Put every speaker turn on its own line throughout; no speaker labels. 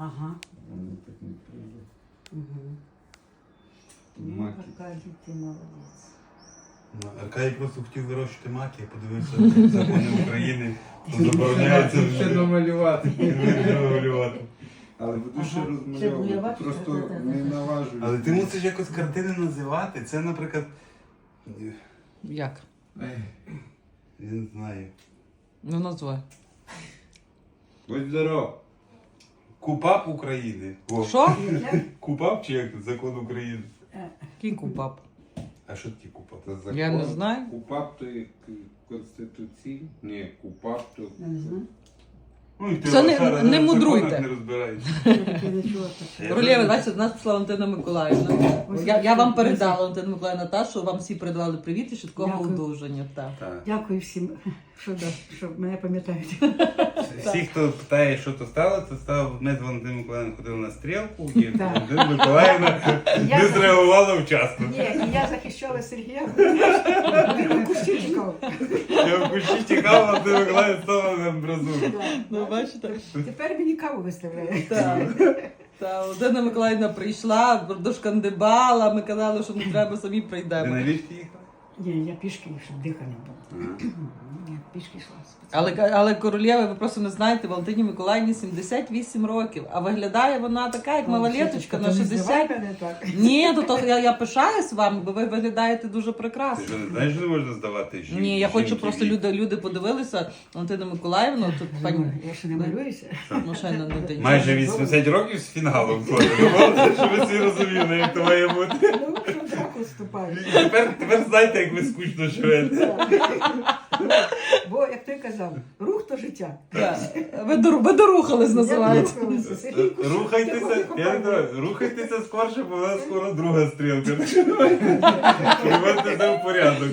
Ага.
Вони так не прийде.
Угу.
Маки.
Аркадій, ти молодець.
Аркадій просто хотів вирощувати маки, я подивився закони України, то забороняється
Ще намалювати.
малювати.
Але буду ще
Ага. Ще
розмальовувати.
малювати?
Просто
Так.
не наважуюсь.
Але ти мусиш якось картини називати. Це, наприклад,
Як?
я не знаю.
Ну, назвай.
Будь здоров.
Купап України. О,
Що?
Купап чи як закон України?
Кінь купап.
А що таке купап?
Це закон.
Я не знаю.
КУПАП то є Конституційний. Ні, КУПАП то...
Я не знаю.
Ну, і ти
Це не-
Оксана,
не
в законах
мудруйте.
не розбираєшся.
Я не чула таке.
Королєва, бачите, до нас пішла Валентина Миколаївна. Я вам передала, Валентина Миколаївна, та, що вам всі передавали привіт і швидкого
Дякую.
одужання. Так.
Так.
Дякую всім, що мене пам'ятають.
Всі, хто питає, що то стало, це стало, ми з Валентиною Миколаївною ходили на стрілку, і
Так.
Валентина Миколаївна
Я-
не зреагувала вчасно.
Ні, і я захищала Сергія. Він кущі чекав.
Я в кущі тікав, Валентина Миколаївна стала на амбразуру.
Ну, бачите?
Тепер мені каву виставляє.
Так. Та Валентина Миколаївна прийшла, дошкандибала, ми казали, що не треба, самі
Ти
прийдемо.
на ліфті їхала?
Ні, я пішки, щоб дихання було. Я пішки йшла.
Але Королєва, ви просто не знаєте, Валентині Миколаївні 78 років, а виглядає вона така, як малолеточка на 60. Ні, то я пишаюсь вами, бо ви виглядаєте дуже
Ти
прекрасно.
що, не знаєш, що не можна здавати жінки?
Ні, я хочу
жінки
просто
вік?
люди подивилися Валентину Миколаївну, тут пані
Я ще не малююся.
ну, ще не день.
Майже 80 років з фіналом ходить. Щоб ви всі розуміли, як то має бути.
Ну, що так уступаю.
Тепер знаєте, як ви скучно живете.
Бо, як той казав, рух то життя.
Так. Ви дорухались, називається.
Я рухалася. Сергій, ти
Рухайтеся,
ходи
я
купай.
не знаю, рухайтеся скорше, бо у нас скоро друга стрілка. Приводьте все в порядок.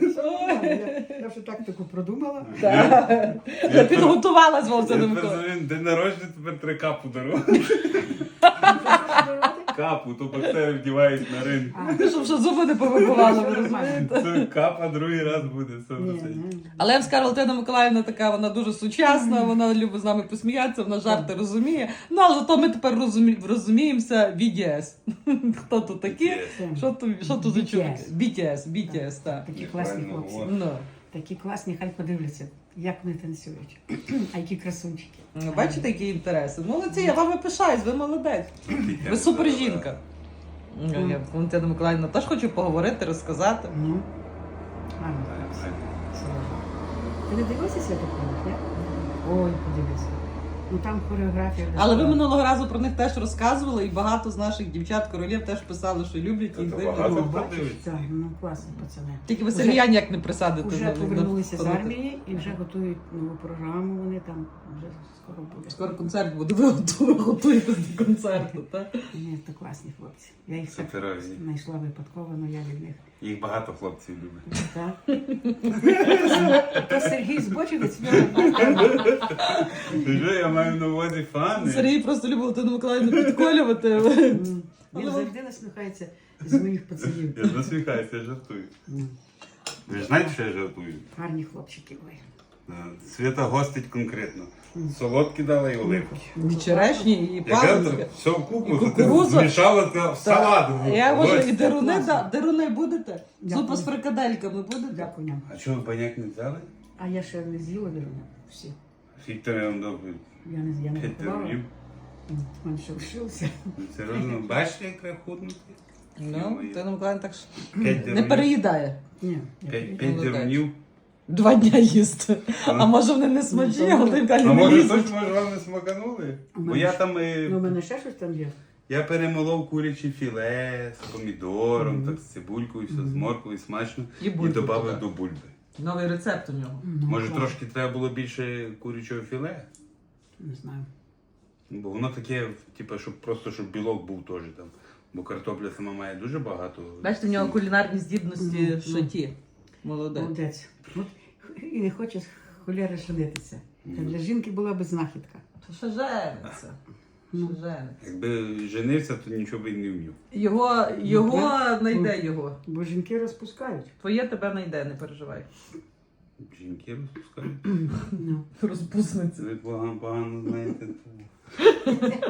Я вже тактику продумала.
Я підготувалась, Валентина
Я
Миколаївна.
тепер день народження, тепер три капу дару. Капу, то боксери вдівають на ринку.
Щоб ще зуби не повибивали, ви розумієте?
Це капа другий раз буде.
Ні,
100%.
ні.
Але я вам скажу, Валентина Миколаївна така, вона дуже сучасна, вона любить з нами посміятися, вона жарти розуміє. Ну, але зато ми тепер розуміємося BTS. Хто тут такі? Що тут за чоловіки? BTS, так.
Такі класні
Правильно
хлопці.
говориш.
Ну.
Такі класні, хай подивляться, як вони танцюють. А які красунчики.
Ну, бачите, які інтереси? Молодці, я вами пишаюсь, ви молодець. Ви супер жінка. Ну, я Валентина Миколаївна теж хочу поговорити, розказати.
Ну, гарно. Ти не дивився Святополк, ні? Ой, подивися. Ну там хореографія.
Але ви минулого разу про них теж розказували, і багато з наших дівчат-королів теж писали, що люблять їх
Та
дивляться.
багато.
Ну,
хто
бачиш,
дивиться?
так, ну класні пацани.
Тільки ви
Уже-
Сергія ніяк не присадите.
Вже
на-
повернулися з
на-
армії і вже готують нову програму, вони там вже скоро буде.
Скоро концерт буде, ви готуєтесь до концерту, так?
Ні, то класні хлопці. Я їх так
Суперові.
знайшла випадково, але я від них.
Їх багато хлопців любить.
Так. То Сергій збочинець,
Ти що, я маю на увазі фани.
Сергій просто любив Валентину Миколаївну підколювати.
він завжди насміхається з моїх пацанів.
Я насміхаюся, я жартую. Ви ж знаєте, що я жартую?
Гарні хлопчики. Ой.
Свята гостить конкретно. Солодкі дала і оливки.
І черешні, і
Яка
палички.
все в купу,
І кукурудзу.
змішала це в салат.
Я можу, і
Гості.
деруни,
Класно.
деруни будете?
Дякую.
Зупа з фрикадельками будете?
Дякую нам.
А чого ви баняк не взяли?
А я ще не з'їла вірно. Всі.
Скільки я вам дав?
Я не
5
рахувала.
рублів.
У мене ще лишилося.
Серйозно, бачите, як треба худнути?
Ну, Валентина Миколаївна так ж
5
не переїдає.
Ні.
5
Молодець.
дерунів.
2 дня їсти. А може вони не смачні, а Валентина
А
Миколаївна не
може
лізуть.
точно вам не смаканули?
У
Бо
мене
я
ж-
там
Ну, у мене ще щось там є.
я перемолов куряче філе з помідором, так з цибулькою, все з морквою, смачно.
І
І
бульбу
додав
туди.
до бульби.
Новий рецепт у нього.
Ну,
Може
клас.
трошки треба було більше курячого філе?
Не знаю.
Бо воно таке, типу, щоб білок був теж там. Бо картопля сама має дуже багато.
Бачите, в нього кулінарні здібності
Ну,
шаті. Молодець.
Молодець. От і не хоче холєри женитися. Та для жінки була би знахідка.
То ще жениться.
Ну.
Ще жениться.
Якби женився, то нічого би й не вмів.
Його знайде його.
Бо жінки розпускають.
Твоє тебе знайде, не переживай.
Жінки розпускають.
Ну.
Розпусниця.
Це ви погано знаєте.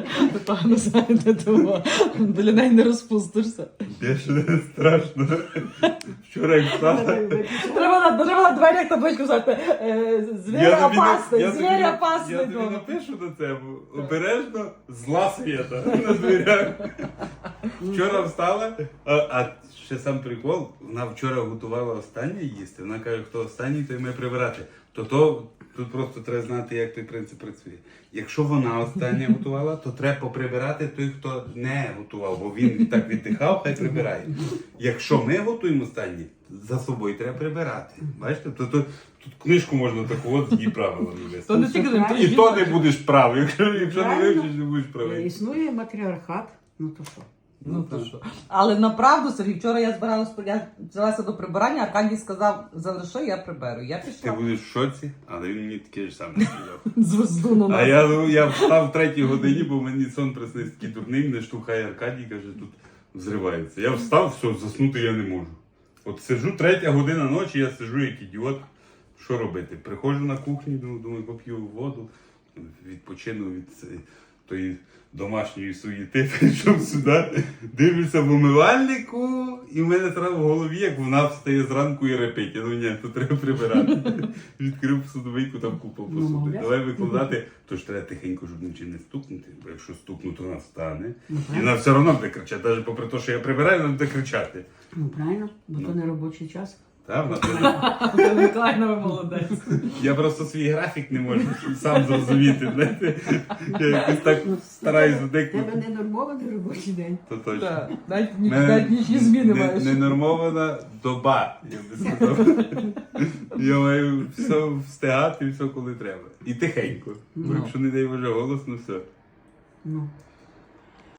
погано знаєте, тому біля неї не розпустишся.
Більше страшно. Вчора як встала.
Треба на дверях табличку взяти. Звір опасний, звір
Я
опасний.
тобі напишу на це, обережно зла свята на дверях. Вчора встала, а ще сам прикол, вона вчора готувала останнє їсти. Вона каже, хто останній, той має прибирати. Тут просто треба знати, як той принцип працює. Якщо вона остання готувала, то треба поприбирати той, хто не готував, бо він так віддихав, хай прибирає. Якщо ми готуємо останні, за собою треба прибирати. Бачите? Тут книжку можна таку от з її правилами вести.
То не тільки
І то не будеш правий. Якщо не
Правильно.
вивчиш, не будеш правий.
Існує матріархат, ну то що?
Ну то що. Але направду, Сергій, вчора я взялася до прибирання, Аркадій сказав, залиши, я приберу. Я
Ти
пішла
будеш в шоці, але він мені таке ж саме сказав.
звезду на
А
нас.
я встав в 3-й годині, бо мені сон приснився такий дурний, мене штовхає Аркадій, каже, тут взривається. Я встав, все, заснути я не можу. От сиджу 3-я година ночі, я сиджу як ідіот. Що робити? Приходжу на кухню, думаю, поп'ю воду, відпочину від тої домашньої суєти, прийшов сюди, дивлюся в умивальнику, і в мене треба в голові, як вона встає зранку і репить. Я думаю, ні, то треба прибирати. Відкрив судовийку, там купа посуди.
молодець.
Давай викладати, то ж треба тихенько, щоб нічим не стукнути, бо якщо стукну, то вона встане.
Ну,
І вона все одно буде кричати, навіть попри те, що я прибираю, вона буде кричати.
Ну правильно, бо то не робочий час.
Та, вона
Миколаївна, ви молодець.
Я просто свій графік не можу сам зрозуміти. Знаєте? Я якось так стараюсь
Тебе
вдикнути.
не нормований робочий день.
То точно.
Так, навіть
В мене
навіть нічні зміни маєш.
Ненормована доба, я би сказав. Я маю все встигати, все коли треба. І тихенько. Бо
Ну.
якщо не дай Боже голосно, все.
Ну.